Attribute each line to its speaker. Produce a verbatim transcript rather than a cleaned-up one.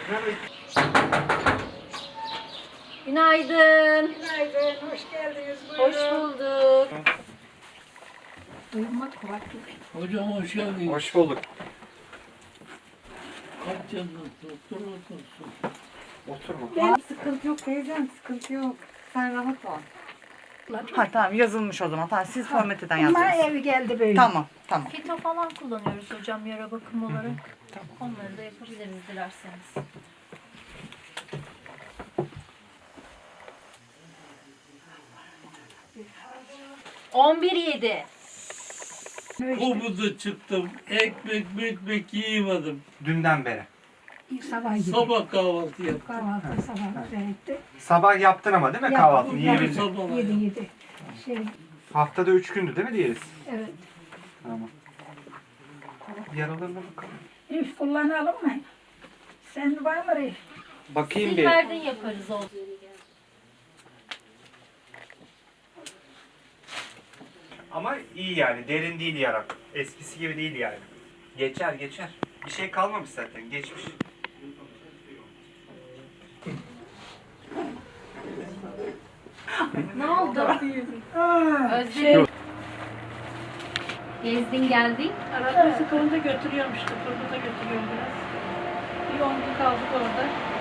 Speaker 1: Günaydın.
Speaker 2: Günaydın, hoş geldiniz.
Speaker 1: Hoş bulduk.
Speaker 2: Uyumak vakti.
Speaker 3: Hocam hoş geldin.
Speaker 4: Hoş bulduk.
Speaker 3: Kaç canlı doktor otursun.
Speaker 4: Oturma.
Speaker 2: Ben sıkıntı yok teyzem, sıkıntı yok. Sen rahat ol.
Speaker 5: Ha tamam yazılmış o zaman. Tamam siz formateden
Speaker 2: Ama
Speaker 5: yazdınız.
Speaker 2: evi geldi böyle.
Speaker 5: Tamam tamam.
Speaker 1: Fito falan kullanıyoruz hocam yara bakım olarak. Onları da yapabiliriz dilerseniz. On bir yedi.
Speaker 3: Komuda çıktım. Ekmek ekmek yiyemedim.
Speaker 4: Dünden beri.
Speaker 2: Sabah gibi.
Speaker 3: Sabah kahvaltı yaptım.
Speaker 2: Kahvaltı sabah güzel etti.
Speaker 4: Sabah yaptın ama değil mi
Speaker 2: Yaptım,
Speaker 4: kahvaltını?
Speaker 2: yaptım.
Speaker 4: Yiyebildin.
Speaker 3: Sabah.
Speaker 2: Yedi yedi. Şey,
Speaker 4: Haftada üç gündü değil mi diğeriz?
Speaker 2: evet.
Speaker 4: Tamam. Yaralarına bakalım.
Speaker 2: Rif kullanalım mı? Sen var mı Rif?
Speaker 4: Bakayım bir.
Speaker 1: Silverden yaparız o.
Speaker 4: Ama iyi yani. Derin değil yara. Eskisi gibi değil yani. Geçer geçer. Bir şey kalmamış zaten. Geçmiş.
Speaker 1: Ne oldu?
Speaker 2: Aa,
Speaker 1: Özlem. Gezdin geldin.
Speaker 6: Arada sıkılınca götürüyorum işte. Turgut'a götürüyorum biraz. Bir on gün kaldık orada.